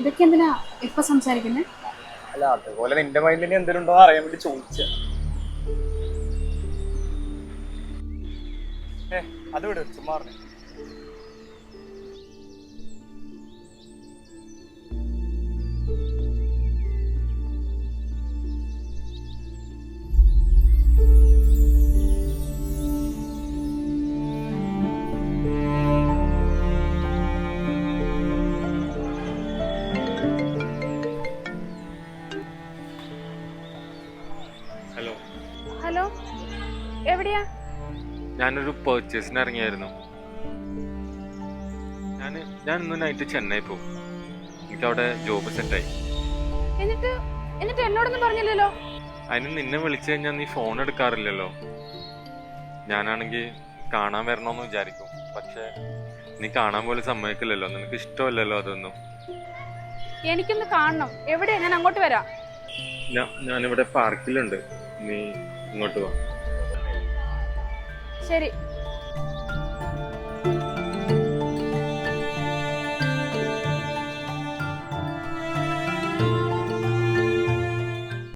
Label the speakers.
Speaker 1: ഇതൊക്കെ എന്തിനാ ഇപ്പൊ സംസാരിക്കുന്നത്?
Speaker 2: അല്ല അതുപോലെ നിന്റെ മൈൻഡിൽ എന്തെങ്കിലും ഉണ്ടോ അറിയാൻ വേണ്ടി ചോദിച്ച. അത് വിട്, ചുമ്മാ പറഞ്ഞു.
Speaker 3: ഹലോ.
Speaker 1: ഹലോ, എവിടെയാ?
Speaker 3: ഞാനൊരു പർച്ചേസിന് ഇറങ്ങിയായിരുന്നു. ഞാൻ ഇന്ന് നൈറ്റ് ചെന്നൈ പോകും. എനിക്കവിടെ ജോബ് സെറ്റായി.
Speaker 1: എന്നിട്ട് എന്നോടൊന്നും പറഞ്ഞില്ലല്ലോ.
Speaker 3: അതിന് നിന്നെ വിളിച്ചു കഴിഞ്ഞാൽ നീ ഫോൺ എടുക്കാറില്ലല്ലോ. ഞാനാണെങ്കിൽ കാണാൻ വരണമെന്ന് വിചാരിക്കും, പക്ഷെ നീ കാണാൻ പോലും സമ്മതിക്കില്ലല്ലോ. നിനക്ക് ഇഷ്ടമല്ലല്ലോ അതൊന്നും.
Speaker 1: എനിക്കൊന്ന് കാണണം. എവിടെയാ? ഞാൻ അങ്ങോട്ട് വരാം.
Speaker 3: ഞാനിവിടെ പാർക്കിലുണ്ട്, നീ ഇങ്ങോട്ട് വാ.
Speaker 1: ശരി.